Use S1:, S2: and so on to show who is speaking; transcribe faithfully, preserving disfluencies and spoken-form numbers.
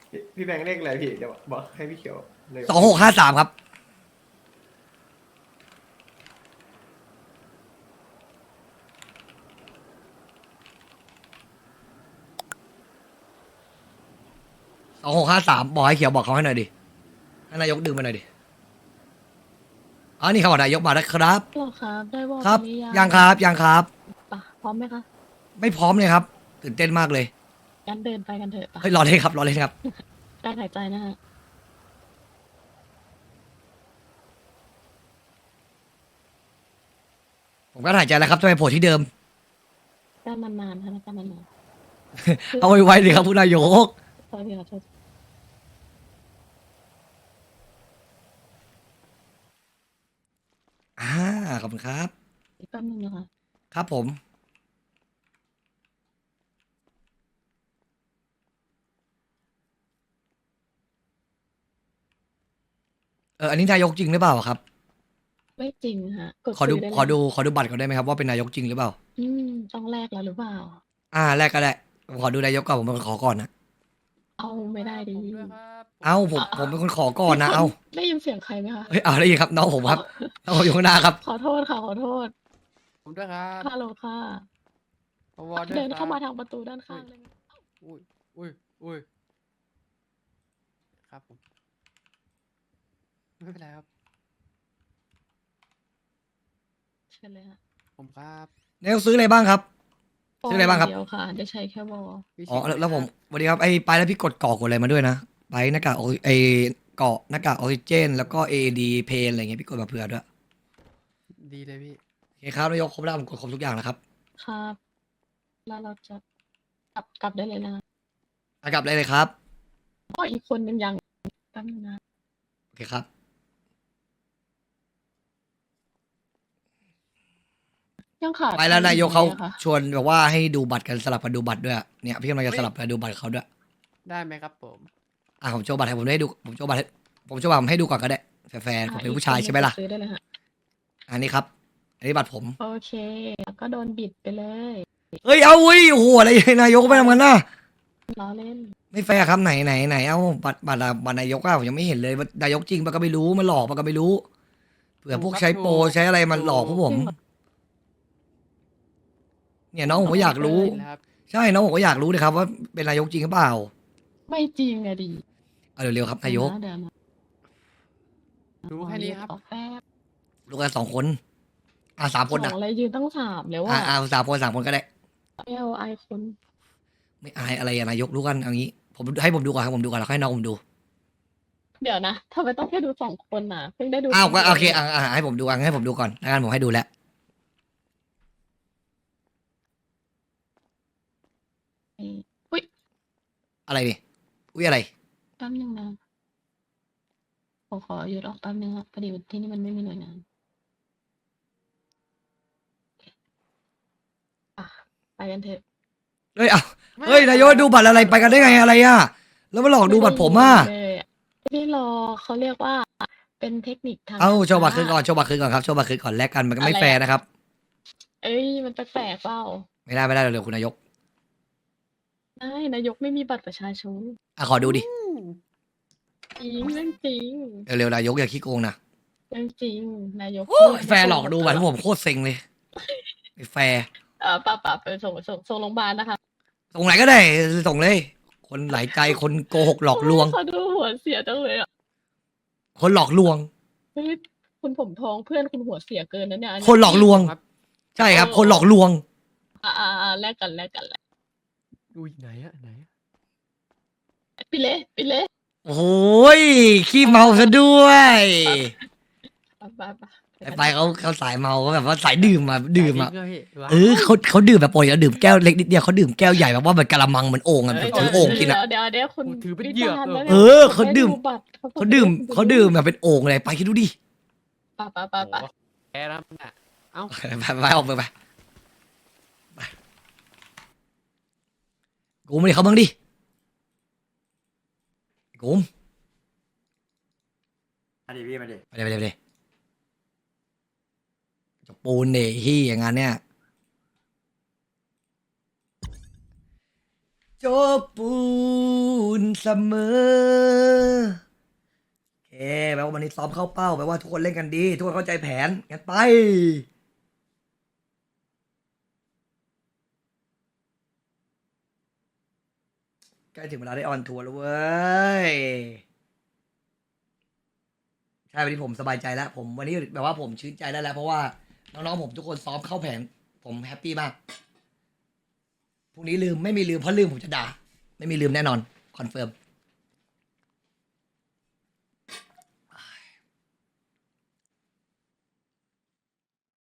S1: พี่พี่แบงค์เลขอะไรพี่เดี๋ยวบอกให้พี่เขียวเลย
S2: สองหกห้าสามครับสองหกห้าสามบอกให้เขียวบอกเขาให้หน่อยดิให้นายกดึงมาหน่อยดิอ๋อนี่เขาบอกนายกมาแล้วครับ
S3: หรอครับได้วอล
S2: ครับ
S3: หรือยัง
S2: ยังครับยังครับ
S3: ปะพร้อมไหมคะ
S2: ไม่พร้อมเลยครับตื่นเต้นมากเลย
S3: งั้นเดินไปกันเถอะปะ
S2: เฮ้ยรอเล่นครับรอเล่นครับ
S3: การหายใจนะฮะ
S2: ผมก็หายใจแล้วครับจะไปโผล่ที่เดิม
S3: การนานๆค่ะการนาน
S2: เอาไว้ไว้เลยครับผู้นายก
S3: ๆขอโทษทีขอโทษ
S2: อ่าขอบคุณครับ
S3: อีกแป๊บนึงนะคะ
S2: ครับผม เอออันนี้นายกจริงหรือเปล่าครับ
S3: ไม่จริงฮะกด
S2: ขอดู
S3: ซื้ได้เลย
S2: ขอดูขอดูบัตรก่อนได้ไหมครับว่าเป็นนายกจริงหรือเปล่า
S3: อืมต้องแลกแล้วหรือเปล่า
S2: อ่าแรกก็ได้ผมขอดูนายกก่อนผมเป็นคนขอก่อนนะ
S3: เอาไม่ได้ดิ
S4: ผมด้วยครับ
S2: เอ้าผมผมเป็นคนขอก่อนนะ
S3: มีค
S2: เอ้า
S3: ได้ยินเสียงใครไหมคะ
S2: เฮ้ยเอาได้ยินครับน้องผมครับน้องผมอยู่ข้างหน้าครับ
S3: ขอโทษค่ะขอโทษ
S4: ผมด้วยครับ
S3: ฮัลโหลค่ะ
S4: ผมวอด้วย
S3: เดิน
S4: ครับ
S3: เข้ามาทางประตูด้านข้างเลย
S4: อุ้ยอุ้ยอุ้ยครับผม ไม่เป็นไรครับ
S3: เชิญเลยฮะ
S4: ผมครับ
S2: นายกซื้ออะไรบ้างครับ ชื่ออะไรบ้างครับ
S3: เดียวค่ะได้ใช้แค่วอล
S4: พี่
S2: อ๋อ
S4: ชิค
S2: แล้วผมสวัสดีครับไอ้ไปแล้วพี่กดกรอกกดอะไรมาด้วยนะไปหน้ากากออกไอ้เกาะหน้ากากออกซิเจน แล้วก็ เอ ดี เพนอะไรเงี้ยพี่กดมาเผื่อด้วย
S4: ดีเลยพี่
S2: โอเคครับนายกครบแล้วผมกดครบทุกอย่างแล้วครับ
S3: ครับ แล้วเราจะกลับกลับได้เลยนะ
S2: อ่ะกลับได้เลยครับ
S3: ก็อีกคนนึงยังแป๊บนึงนะ
S2: โอเคครับ
S3: ยังขาด
S2: ไปแล้วนายกเขา
S3: ใครอีอะคะ
S2: ชวนแบบว่าให้ดูบัตรกันสลับกันดูบัตรด้วยอะเนี่ยพี่กำลังจะสลับกันดูบัตรเขาด้วย
S4: ได้ไหมครับผม
S2: อ่ะผมโชว์บัตรให้ผมได้ดูผมโชว์บัตรให้ผมโชว์บัตรผมให้ดูก่อนก็ได้แฟร์ๆผมเป็นผู้ชายใช่ไหมล่ะ
S3: ซื้อได้เลยฮะ
S2: อันนี้ครับ อันนี้บัตรผม
S3: โอเค แล้วก็โดนบิดไปเลย
S2: เฮ้ยเอาอุ้ยโอ้โหอะไรนายกไม่ทำกันนะ
S3: ล้อเล่น
S2: ไม่แฟร์ครับไหนไหนไหนเอาบัตรบัตรบัตรนายกอะผมยังไม่เห็นเลยว่านายกจริงปะก็ไม่รู้มันหลอกปะก็ไม่รู้เผื่อพวกใช้โปรใช้อะไรมันหลอกพวกผม เนี่ยน้องผมก็อยากรู้
S4: นะครับ
S2: ใช่น้องผมก็อยากรู้เลยครับว่าเป็นนายกจริงหรือเปล่า
S3: ไม่จริงอะดิ
S2: เอาเร็วๆครับนายก
S3: เดี๋ยวนะ
S4: รู้แค่นี้ครับ
S3: ขอแป๊บ
S2: ลูกกันสองคนอ่ะสามคน
S3: ส
S2: อ่ะ
S3: องอะไรยืนตั้งสามแล้ว
S2: อ่ะ
S3: ว่า
S2: อ่ะสามคนสามคนก็ได้
S3: ไม่เอาไอคน
S2: ไม่อายอะไรอะนายกรู้กันเอางี้ ผมให้ผมดูก่อนให้ผมดูก่อนแล้วให้น้องผมดู
S3: เดี๋ยวนะทำไมต้องแค่ดูสองคนน่ะเพิ่งได้ดู
S2: อ้าวก็
S3: นดีย
S2: โอเคอ่ะอ่ะให้ผมดูอ่ะให้ผมดูก่อนแล้วกันผมให้ดูแล้ว
S3: อุ้ย
S2: อะไรนี่อุ้ยอะไร
S3: แป๊บนึงนะผมขอหยุดออกแป๊บนึงครับพอดีที่นี่มันไม่มีหน่วยงานอ่ะไปกันเถอะ
S2: เฮ้ยอ้าวเฮ้ยนายกดูบัตรอะไรไปกันได้ไงอะไรอ่ะแล้วมาหลอกดูบัตรผมอ่ะ
S3: ไได้เลยไม่ได้รอเขาเรียกว่า เป็นเทคนิคทาง
S2: เอาโชว์บัตรคืน
S3: ค้า
S2: ก่อนโชว์บัตรคืนก่อนครับโชว์บัตรคืนก่อนแลกกันมันก็ไม่
S3: อะไรอะ
S2: แฟร์นะครับ
S3: เอ้ยมันแปลกๆเปล่า
S2: ไม่ได้ไม่ได้เร็วๆคุณนายก
S3: ได้นายกไม่มีบัตรประชาชน
S2: อ่ะขอดูดิ
S3: จริงเรื่องจริง
S2: เร็วๆนายกอย่าขี้โกงนะ
S3: เรื่องจริงนายก
S2: โอ้ยแฟร์หลอกดูบัตรผมโคตรเซ็งเลยไม่แฟร์
S3: เออป่าป่าไปส่งส่งส่งโรงพยาบาลนะคะ
S2: ส่งไหนก็ได้ส่งเลย คนหลายใจคนโกหกหลอกลวง
S3: เขาดูหัวเสียจังเลยอ่ะ
S2: คนหลอกลวง
S3: เฮ้ยคุณผมทองเพื่อนคุณหัวเสียเกินนะเนี่ย
S2: คนหลอกลวง
S4: ครับ
S2: ใช่ครับ คนหลอกลวง
S3: อ่าอ่าอ่าแลกกันแลกกันแลก
S4: อุ้ยไหนอะไหนอะ
S3: ไปเลยไปเลย
S2: โอ้ยขี้เมาซะด้วย
S3: ป่าป่าป่า
S2: ไอ้ไปเขาเขาสายเมาเขาแบบว่าสายดื่มมาดื่มอ่ะ
S4: จริงด้วยพี่ว้าว
S2: เออเขาเขาดื่มแบบปกติแล้วดื่มแก้วเล็กนิดเดียวเขาดื่มแก้วใหญ่แบบว่าเหมือนกะละมังเหมือนโอ่งอ่ะแบบถือโอ่งกินอ่ะ
S3: เดี๋ยวเดี๋ยวคุณ
S4: โอ้ถือเป็นเหยื่อ
S3: วิจารณ์
S4: เออ
S3: แล้วนี่ย
S2: เออเขาดื่ม
S3: ไบัตร
S2: เขาดื่มเขาดื่มแบบเป็นโอ่งเลยไปคิดดูดิ
S3: ป่าป่าป่าป่า
S4: โอ้โหแพ้แล้วน่ะเอ้า
S2: ไปไปออกไปไปไปกูไม่ได้เขาบ้างดิกูม
S5: มาดิพี่มาดิ
S2: ไปเลยไปเลยไปเลยจะปูนเนที่อย่างงั้นเนี่ยจบปูนเสมอโอเคแปลว่าวันนี้ซ้อมเข้าเป้าแปลว่าทุกคนเล่นกันดี ทุกคนเข้าใจแผนงั้นไปใกล้ถึงเวลาได้ออนทัวร์แล้วเว้ยใช่วันนี้ผมสบายใจแล้ว ผมวันนี้แบบว่าผมชื่นใจได้แล้ว เพราะว่าน้องๆผมทุกคนซ้อมเข้าแผน ผมแฮปปี้มากพรุ่งนี้ลืมไม่มีลืมเพราะลืมผมจะด่าไม่มีลืมแน่นอนคอนเฟิร์ม